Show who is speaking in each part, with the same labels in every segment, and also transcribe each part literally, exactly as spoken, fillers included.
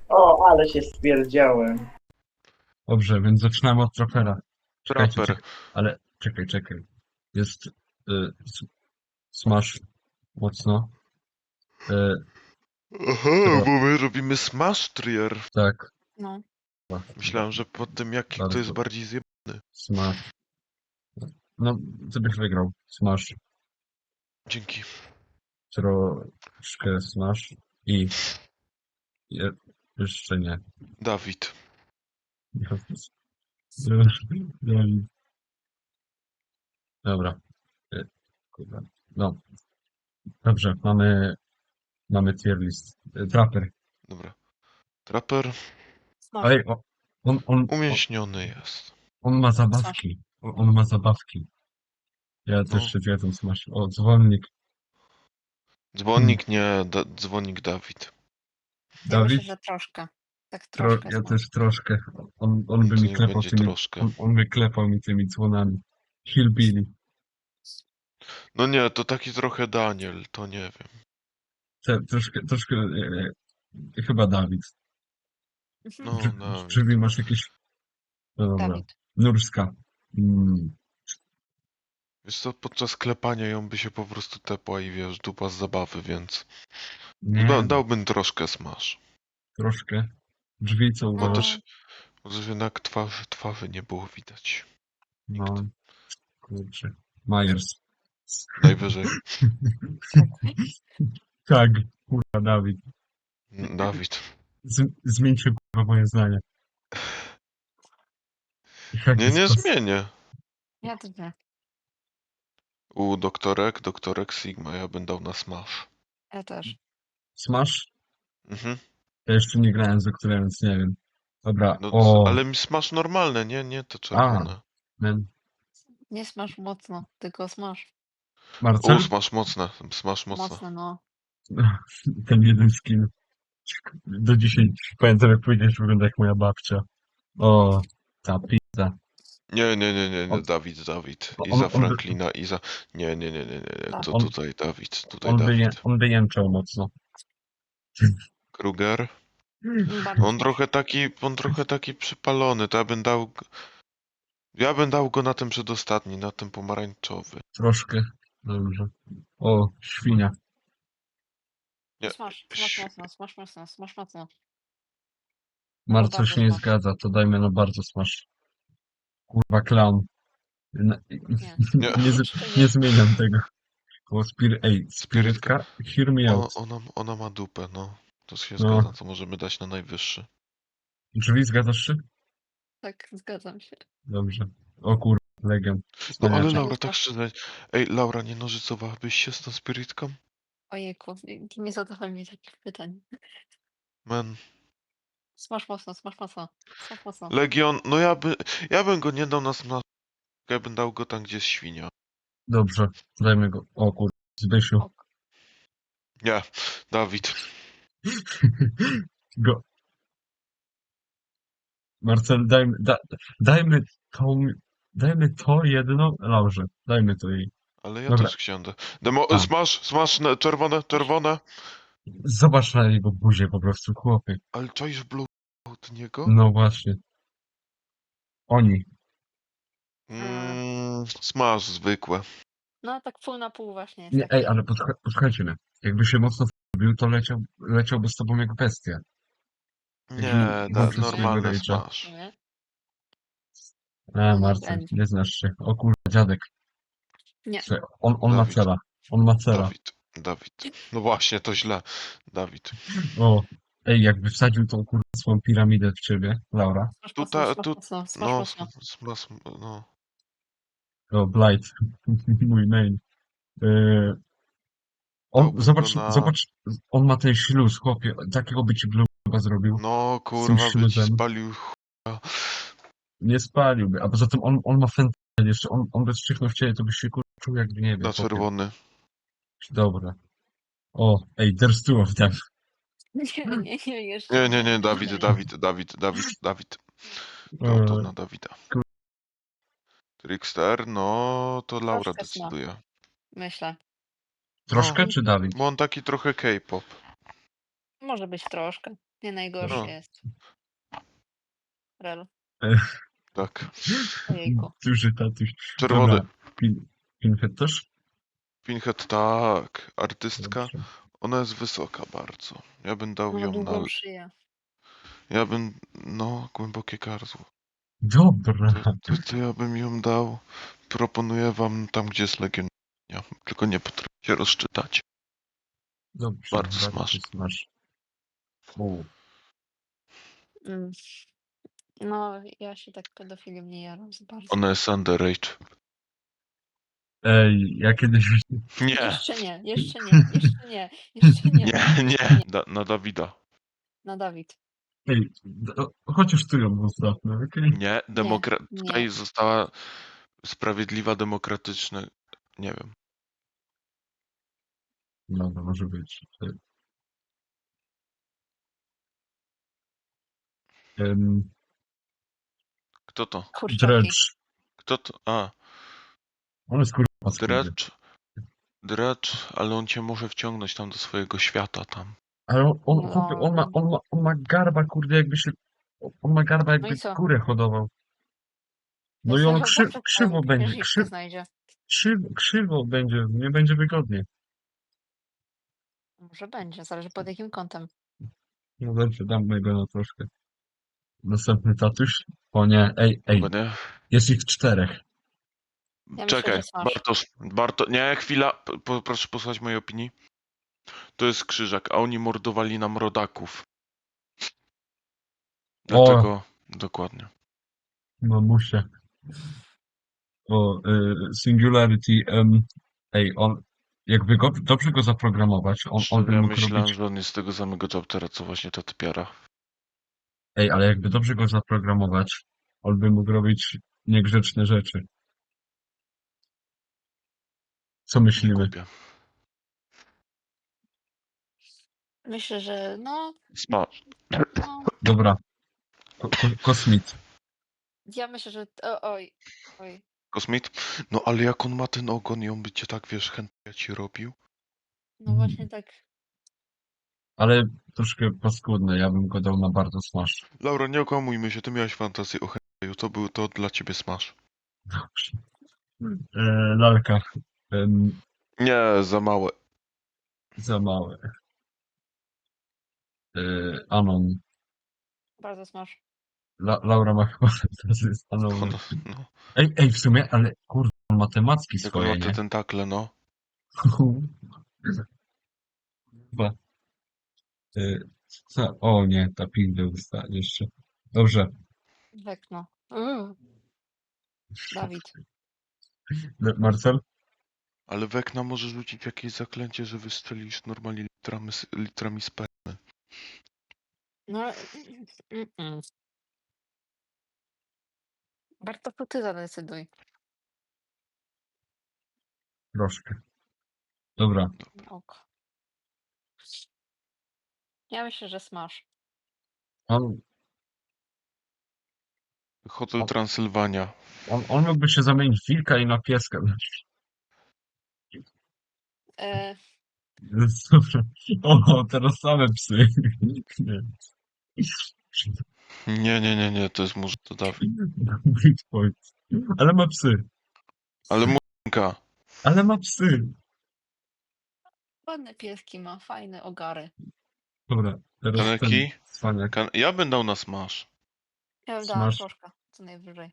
Speaker 1: O, ale się stwierdziałem.
Speaker 2: Dobrze, więc zaczynamy od trapera. Czekajcie,
Speaker 3: Traper.
Speaker 2: czekaj, ale czekaj, czekaj. Jest y, s- smash mocno. Y,
Speaker 3: Aha,
Speaker 2: Tro-
Speaker 3: bo my robimy Smash Trier.
Speaker 2: tak,
Speaker 4: No.
Speaker 3: Myślałem, że po tym jaki kto jest
Speaker 2: Bardzo.
Speaker 3: bardziej zjebany.
Speaker 2: smash. No, ty byś wygrał. Smash,
Speaker 3: Dzięki.
Speaker 2: troszkę smash i je, jeszcze nie.
Speaker 3: Dawid.
Speaker 2: Dobra. Y, kurwa. No, dobrze, mamy, mamy tier list. Y, Trapper.
Speaker 3: Dobra. Traper
Speaker 4: Smash.
Speaker 2: Ej, o, on, on, on,
Speaker 3: umięśniony jest.
Speaker 2: on ma zabawki. On, on ma zabawki. Ja
Speaker 3: No.
Speaker 2: też się zgadzam, smash. O, dzwonnik.
Speaker 3: Dzwonnik nie, da, dzwonnik Dawid.
Speaker 4: Ja myślę,
Speaker 2: Dawid?
Speaker 4: że troszkę. Tak
Speaker 2: Tro,
Speaker 4: troszkę.
Speaker 2: ja
Speaker 4: Smash.
Speaker 2: też troszkę. On, on by
Speaker 3: To
Speaker 2: mi
Speaker 3: niech
Speaker 2: klepał
Speaker 3: będzie
Speaker 2: tymi,
Speaker 3: troszkę.
Speaker 2: on, on by klepał mi tymi dzwonami. Hillbilly.
Speaker 3: No nie, to taki trochę Daniel, to nie wiem.
Speaker 2: Te, troszkę, troszkę, e, e, chyba Dawid.
Speaker 3: No,
Speaker 2: Czy,
Speaker 3: Dawid.
Speaker 2: czy masz jakieś... No dobra.
Speaker 4: Dawid.
Speaker 2: Nurska. Mm.
Speaker 3: Wiesz co, podczas klepania ją by się po prostu tepła i wiesz, dupa z zabawy, więc
Speaker 2: Nie,
Speaker 3: da, dałbym troszkę Smash.
Speaker 2: troszkę. Drzwi co
Speaker 3: Bo
Speaker 2: uważasz?
Speaker 3: też, bo też jednak twarzy, twarzy nie było widać.
Speaker 2: No, kurczę. Myers.
Speaker 3: Najwyżej.
Speaker 2: Tak, kurwa, Dawid.
Speaker 3: Dawid.
Speaker 2: Z, zmieńcie kurwa moje zdanie. Jak
Speaker 3: Nie,
Speaker 2: jest
Speaker 3: nie
Speaker 2: kos-
Speaker 3: zmienię.
Speaker 4: Ja też nie.
Speaker 3: U doktorek, doktorek Sigma, ja bym dał na Smash.
Speaker 4: Ja też.
Speaker 2: Smash?
Speaker 3: Mhm.
Speaker 2: Ja jeszcze nie grałem z doktorem, więc nie wiem. Dobra,
Speaker 3: No,
Speaker 2: o,
Speaker 3: ale mi Smash normalne, nie, nie te czerwone.
Speaker 2: men.
Speaker 4: Nie smash mocno, tylko smash.
Speaker 2: Marcel?
Speaker 3: U, Smash mocne, Smash mocne.
Speaker 4: Mocne, no.
Speaker 2: Ten jeden skin. Do dzisiaj pamiętam, jak powiedziałeś, wygląda jak moja babcia. O, ta pizza.
Speaker 3: Nie, nie, nie, nie, nie,
Speaker 2: On-
Speaker 3: Dawid, Dawid.
Speaker 2: on-
Speaker 3: Iza
Speaker 2: on by-
Speaker 3: Franklina, Iza. Nie, nie, nie, nie, nie, nie. To
Speaker 2: On-
Speaker 3: tutaj Dawid, tutaj
Speaker 2: On by, je,
Speaker 3: Dawid.
Speaker 2: on by jęczał mocno.
Speaker 3: Kruger.
Speaker 4: Bardzo
Speaker 3: On
Speaker 4: smash.
Speaker 3: trochę taki, on trochę taki przypalony, to ja bym dał... g- Ja bym dał go na ten przedostatni, na ten pomarańczowy.
Speaker 2: Troszkę. Dobrze. O, świnia.
Speaker 3: Nie.
Speaker 4: Smash, smash mocno, smash mocno, smash mocno.
Speaker 2: Marcel
Speaker 4: bardzo
Speaker 2: się nie
Speaker 4: smash.
Speaker 2: zgadza, to dajmy na bardzo smash. Kurwa, clown. Na-
Speaker 4: Nie.
Speaker 3: Nie.
Speaker 2: nie, z- nie zmieniam tego. O, spir Ej, spirytka? Hear me
Speaker 3: O,
Speaker 2: out.
Speaker 3: ona, ona ma dupę, no. To się
Speaker 2: No.
Speaker 3: zgadza, to możemy dać na najwyższy.
Speaker 2: Drzwi zgadzasz się?
Speaker 4: Tak, zgadzam się.
Speaker 2: Dobrze. O kurwa, legend.
Speaker 3: No ale
Speaker 2: Wspaniaczek.
Speaker 3: Laura, tak szczerze. Ej, Laura, nie nożycowałabyś się z tą spirytką?
Speaker 4: Ojejku, nie- nie zadawaj mi takich pytań.
Speaker 3: Man.
Speaker 4: Smash mocno, smash mocno. Smash mocno.
Speaker 3: Legion, no ja by, ja bym go nie dał na smash. Ja bym dał go tam, gdzie jest świnia.
Speaker 2: Dobrze, dajmy go. O kurwa, Zbysiu.
Speaker 4: Ok.
Speaker 3: Nie, Dawid.
Speaker 2: Go. Marcel, dajmy, da, dajmy to, dajmy to jedno Laurze. Dajmy to jej.
Speaker 3: Ale ja
Speaker 2: Dobra.
Speaker 3: też chciałem. da- Demo,
Speaker 2: A.
Speaker 3: smash, smash, na- czerwone, czerwone.
Speaker 2: Zobacz na jego buzię po prostu, chłopie.
Speaker 3: Ale czaisz blue od niego?
Speaker 2: No właśnie. Oni.
Speaker 3: Mm, smash zwykłe.
Speaker 4: No tak pół na pół właśnie jest.
Speaker 2: Nie,
Speaker 4: taki.
Speaker 2: ej, ale podcha- posłuchajcie mnie. Jakby się mocno wbił, to leciał, leciałby z tobą jak bestia.
Speaker 3: Nie,
Speaker 2: Jaki
Speaker 3: da,
Speaker 2: włączył
Speaker 3: normalne
Speaker 2: swojego rage'a.
Speaker 3: smash.
Speaker 4: Nie?
Speaker 2: E,
Speaker 4: No,
Speaker 2: Marcel,
Speaker 4: będzie.
Speaker 2: nie znasz się. O kurwa, dziadek.
Speaker 4: Nie.
Speaker 2: Słuchaj, On, on ma
Speaker 3: Dawid.
Speaker 2: cela. On ma cela.
Speaker 3: Dawid, Dawid. No właśnie, to źle. Dawid.
Speaker 2: O, ej, jakby wsadził tą kurwa swoją piramidę w ciebie, Laura.
Speaker 4: Smash
Speaker 3: Tutaj,
Speaker 4: mocno, smash
Speaker 3: tu,
Speaker 4: mocno, smash
Speaker 3: no,
Speaker 4: mocno.
Speaker 3: smash, no.
Speaker 2: O, Blight. Mój main. Yy, on,
Speaker 3: Dałbym
Speaker 2: zobacz,
Speaker 3: go na-
Speaker 2: zobacz, on ma ten śluz, chłopie. Takiego by ci blue chyba zrobił.
Speaker 3: No, kurwa, by ci
Speaker 2: śluzem.
Speaker 3: spalił chuja.
Speaker 2: Nie spaliłby. A poza tym on, on ma fentanyl jeszcze. On, on bez szczychnął w ciebie, to byś się kurwa czuł jakby nie wiem.
Speaker 3: Na
Speaker 2: chłopie.
Speaker 3: czerwony.
Speaker 2: Dobra. O, ej, there's two of them.
Speaker 4: Nie, nie, nie, jeszcze.
Speaker 3: Nie, nie, nie, Dawid, Dawid, Dawid, Dawid, Dawid. Dał to
Speaker 2: Eee,
Speaker 3: na Dawida. Trickster, no to Laura
Speaker 4: Troszkę smash.
Speaker 3: decyduje.
Speaker 4: Myślę.
Speaker 2: Troszkę
Speaker 3: No.
Speaker 2: czy Dawid?
Speaker 3: Bo on taki trochę K-pop.
Speaker 4: Może być troszkę. Nie najgorszy
Speaker 3: No.
Speaker 4: jest. Rel.
Speaker 3: Tak.
Speaker 4: Ojejku.
Speaker 2: Duży tatuś.
Speaker 3: Czerwony.
Speaker 2: Dobra, pin, Pinhead też?
Speaker 3: Pinhead, tak. Artystka.
Speaker 2: Dobrze.
Speaker 3: Ona jest wysoka bardzo. Ja bym dał
Speaker 4: Ma
Speaker 3: ją na...
Speaker 4: długą szyję.
Speaker 3: Ja bym... No, głębokie gardło.
Speaker 2: Dobra.
Speaker 3: To, to, to ja bym ją dał. Proponuję wam tam, gdzie jest Legion. Tylko nie potrafię się rozczytać.
Speaker 2: Dobrze,
Speaker 3: Bardzo smash.
Speaker 2: smash. U.
Speaker 4: Mm. No, ja się tak pedofilią nie jaram za bardzo.
Speaker 3: Ona jest underage.
Speaker 2: Ej, ja kiedyś...
Speaker 3: Nie,
Speaker 4: Jeszcze nie, jeszcze nie, jeszcze nie, jeszcze nie.
Speaker 3: nie, nie. Da, na Dawida.
Speaker 4: Na Dawid.
Speaker 2: Ej, do- chociaż ty ją zostawmy, okej?
Speaker 3: Nie, demokra...
Speaker 4: nie.
Speaker 3: tutaj została sprawiedliwa, demokratyczna. Nie wiem.
Speaker 2: No, to może być. Um,
Speaker 3: Kto to?
Speaker 4: Kurczaki.
Speaker 2: Dredge.
Speaker 3: Kto to? A,
Speaker 2: On jest kurwa paskudny.
Speaker 3: Dredge. Dredge, ale on cię może wciągnąć tam do swojego świata tam.
Speaker 2: Ale on, on,
Speaker 4: No.
Speaker 2: chłopie, on, ma, on, ma, on ma garba, kurde, jakby się... On ma garba, jakby
Speaker 4: No i co?
Speaker 2: kurę hodował. No
Speaker 4: To
Speaker 2: i on
Speaker 4: sobie
Speaker 2: krzy,
Speaker 4: chłopak
Speaker 2: krzywo
Speaker 4: tam
Speaker 2: będzie,
Speaker 4: księżniczkę
Speaker 2: krzy,
Speaker 4: znajdzie.
Speaker 2: krzywo, krzywo będzie, nie będzie wygodnie.
Speaker 4: Może będzie, zależy pod jakim kątem.
Speaker 2: No dobrze, dam go na troszkę. Następny tatuś? O nie, ej, ej,
Speaker 3: Chyba nie?
Speaker 2: jest ich czterech.
Speaker 4: Ja myślę,
Speaker 3: Czekaj,
Speaker 4: że smash.
Speaker 3: Bartosz, Barto... Nie, chwila, p- po, proszę posłuchać mojej opinii. To jest krzyżak, a oni mordowali nam rodaków. Dlatego, dokładnie.
Speaker 2: Mamusia. O, y, Singularity, em, ej, on, jakby go, dobrze go zaprogramować, on, on by
Speaker 3: Szczerze,
Speaker 2: mógł
Speaker 3: myślałem,
Speaker 2: robić,
Speaker 3: że on jest z tego samego chaptera, co właśnie ta typiara.
Speaker 2: ej, ale jakby dobrze go zaprogramować, on by mógł robić niegrzeczne rzeczy. Co
Speaker 3: Nie
Speaker 2: myślimy?
Speaker 3: kupię.
Speaker 4: Myślę, że no,
Speaker 3: Smash.
Speaker 4: no.
Speaker 2: Dobra, ko, ko, Kosmit.
Speaker 4: Ja myślę, że. O, oj, oj.
Speaker 3: Kosmit? No ale jak on ma ten ogon i on by cię tak, wiesz, chętnie ci robił?
Speaker 4: No właśnie tak.
Speaker 2: Ale troszkę paskudne, ja bym go dał na bardzo smash.
Speaker 3: Laura, nie okłamujmy się, ty miałeś fantazję o hentai, to był to dla ciebie smash.
Speaker 2: Dobrze. E, lalka. Em,
Speaker 3: Nie, za małe.
Speaker 2: za małe. E, Anon.
Speaker 4: Bardzo smash.
Speaker 2: La, Laura ma chyba fantazję z Anonem.
Speaker 3: Ona, no.
Speaker 2: Ej, ej, w sumie, ale kurde, on ma te macki
Speaker 3: Jak on ma
Speaker 2: swoje,
Speaker 3: te
Speaker 2: nie?
Speaker 3: tentakle, no.
Speaker 2: Chyba. Y, co? O nie, ta pizda usta jeszcze. Dobrze.
Speaker 4: Wekno. Uuu. Dawid.
Speaker 2: Le- Marcel?
Speaker 3: Ale Wekna może rzucić jakieś zaklęcie, że wystrzelisz normalnie litrami, s- litrami spermy.
Speaker 4: No ale. Mm, mm. Bartoszu, ty zadecyduj.
Speaker 2: Troszkę. Dobra.
Speaker 4: Ok. Ja myślę, że smash.
Speaker 2: On,
Speaker 3: Hotel
Speaker 2: O.
Speaker 3: Transylwania.
Speaker 2: on, on mógłby się zamienić w wilka i na pieska.
Speaker 4: E,
Speaker 2: Dobra. O, teraz same psy. Nie.
Speaker 3: Nie, nie, nie, nie, to jest może to Dawid.
Speaker 2: Good point. Ale ma psy.
Speaker 3: Ale muzyka.
Speaker 2: Ale ma psy.
Speaker 4: ładne pieski ma, fajne ogary.
Speaker 2: Dobra, teraz ten
Speaker 3: Kaneki?
Speaker 2: cwaniak.
Speaker 3: Kan ja bym dał na smash.
Speaker 4: Ja bym dała
Speaker 2: Smash.
Speaker 4: troszkę, co najwyżej.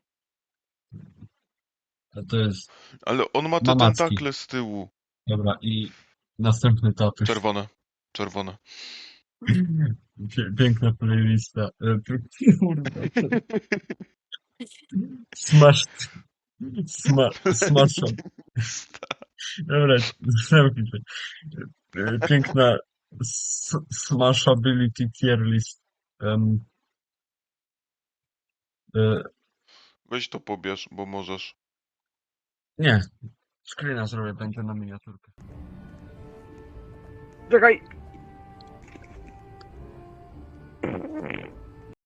Speaker 2: A to jest...
Speaker 3: Ale on ma te
Speaker 2: Ma macki.
Speaker 3: tentakle z tyłu.
Speaker 2: Dobra, i następny tatuś.
Speaker 3: Czerwone. Czerwone.
Speaker 2: Pie- Piękna playlista. E, p- Kurwa. Smash. Sma, smasha. Dobra, zamknij się. E, Piękna s- smashability tier list. Um, e,
Speaker 3: Weź to pobierz, bo możesz.
Speaker 2: nie. Screena zrobię, będzie na miniaturkę.
Speaker 1: Czekaj!